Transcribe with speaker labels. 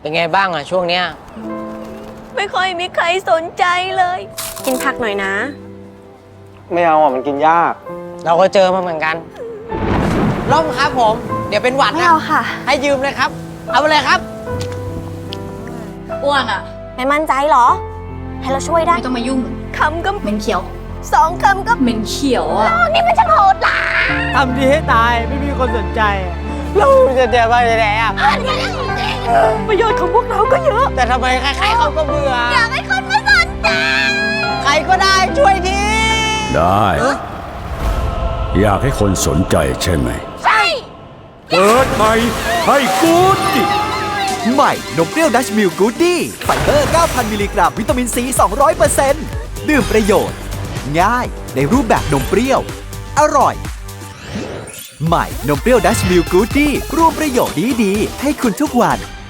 Speaker 1: เป็นไงบ้างอะช่วงเนี้ย
Speaker 2: ไม่ค่อยมีใครสนใจเลย กินผักหน่อยนะ
Speaker 3: ไม่เอาอ่ะมันกินยาก
Speaker 1: เราก็เจอมาเหมือนกันร่มครับผม เดี๋ยวเป็นหวัด
Speaker 2: ไม่
Speaker 1: นะ
Speaker 2: เอาค่ะ
Speaker 1: ให้ยืมเลยครับ เอาไปเลยครับ
Speaker 4: อ้วนอ่ะ
Speaker 2: ไม่มั่นใจเหรอ ให้เราช่วยได้
Speaker 4: ไม่ต้องมายุ่ง
Speaker 2: คำก็
Speaker 4: เหม็นเขียว
Speaker 2: 2 คำก็
Speaker 4: เหม็นเขียวอ่ะ
Speaker 2: นี่มันช่างโหดร้าย
Speaker 1: ทำดีให้ตายไม่มีคนสนใจ เราจะเจอไปไหนอะ
Speaker 2: ประโยชน์ของพวกเราก็เยอะ
Speaker 1: แต่ทำไมใครๆเขาก็เบื่อ
Speaker 2: อยากให้คนมาสนใจ
Speaker 1: ใครก็ได้ช่วยที
Speaker 5: ได้ อยากให้คนสนใจใช่ไหม
Speaker 2: ใช่
Speaker 5: เปิดใหม่ให้กูดดิ
Speaker 6: ใหม่นมเปรี้ยวดัชมิลกูดดี้ไฟเบอร์ 9,000 มิลลิกรัม วิตามินซี 200% ดื่มประโยชน์ ง่ายในรูปแบบนมเปรี้ยว อร่อย ใหม่นมเปรี้ยวดัชมิลกูดดี้รวมประโยชน์ดีๆ ให้คุณทุกวัน